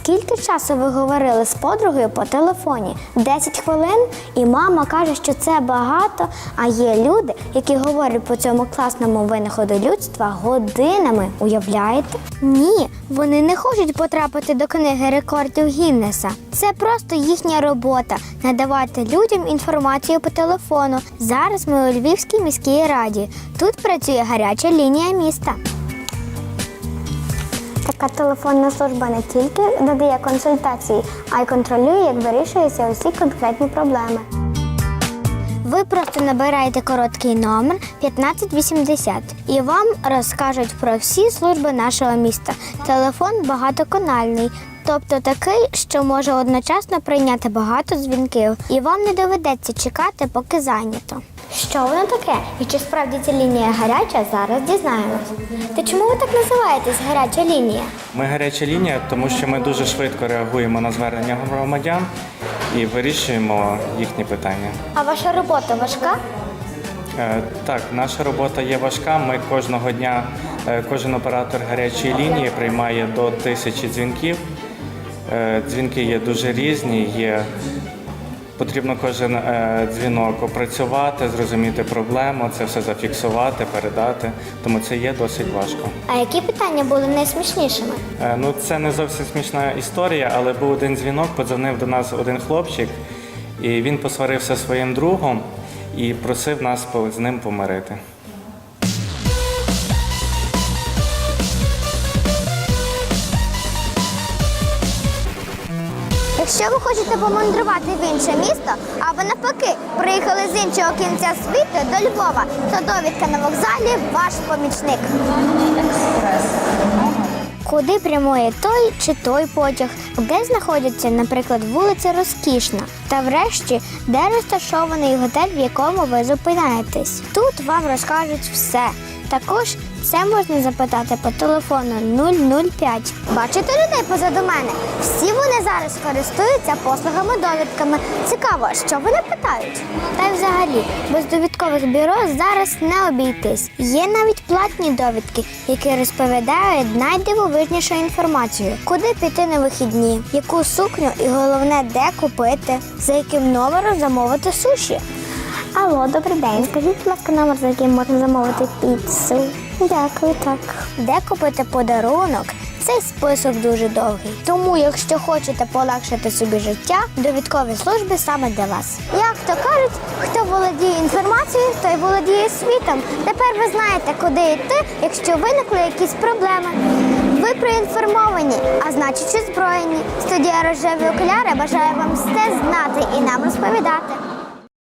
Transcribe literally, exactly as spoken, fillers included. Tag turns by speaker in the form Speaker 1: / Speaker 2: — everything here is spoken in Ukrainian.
Speaker 1: Скільки часу ви говорили з подругою по телефоні? десять хвилин? І мама каже, що це багато, а є люди, які говорять по цьому класному винаходу людства годинами. Уявляєте? Ні, вони не хочуть потрапити до книги рекордів Гіннеса. Це просто їхня робота – надавати людям інформацію по телефону. Зараз ми у Львівській міській раді. Тут працює гаряча лінія міста. Така телефонна служба не тільки надає консультації, а й контролює, як вирішуються усі конкретні проблеми. Ви просто набираєте короткий номер п'ятнадцять вісімдесят і вам розкажуть про всі служби нашого міста. Телефон багатоканальний, тобто такий, що може одночасно прийняти багато дзвінків, і вам не доведеться чекати, поки зайнято. Що воно таке? І чи справді ця лінія гаряча, зараз дізнаємось. Та чому ви так називаєтесь «гаряча лінія»?
Speaker 2: Ми гаряча лінія, тому що ми дуже швидко реагуємо на звернення громадян і вирішуємо їхні питання.
Speaker 1: А ваша робота важка?
Speaker 2: Е, Так, наша робота є важка. Ми кожного дня, е, кожен оператор гарячої лінії приймає до тисячі дзвінків. Е, Дзвінки є дуже різні, є... Потрібно кожен е, дзвінок опрацювати, зрозуміти проблему, це все зафіксувати, передати, тому це є досить важко.
Speaker 1: А які питання були найсмішнішими?
Speaker 2: Е, ну, це не зовсім смішна історія, але був один дзвінок, подзвонив до нас один хлопчик, і він посварився зі своїм другом і просив нас з ним помирити.
Speaker 1: Якщо ви хочете помандрувати в інше місто, або навпаки, приїхали з іншого кінця світу до Львова, то довідка на вокзалі – ваш помічник. Куди прямує той чи той потяг, де знаходиться, наприклад, вулиця Розкішна, та врешті, де розташований готель, в якому ви зупиняєтесь. Тут вам розкажуть все. Також це можна запитати по телефону нуль нуль п'ять. Бачите людей позаду мене? Всі вони зараз користуються послугами-довідками. Цікаво, що вони питають? Та й взагалі, без довідкових бюро зараз не обійтись. Є навіть платні довідки, які розповідають найдивовижнішу інформацію. Куди піти на вихідні, яку сукню і головне, де купити, за яким номером замовити суші. Алло, добрий день. Скажіть, будь ласка, номер, за яким можна замовити піцу. Дякую, так. Де купити подарунок? Цей список дуже довгий. Тому, якщо хочете полегшити собі життя, довідкові служби саме для вас. Як то кажуть, хто володіє інформацією, той володіє світом. Тепер ви знаєте, куди йти, якщо виникли якісь проблеми. Ви проінформовані, а значить, озброєні. Студія «Рожеві окуляри» бажає вам все знати і нам розповідати.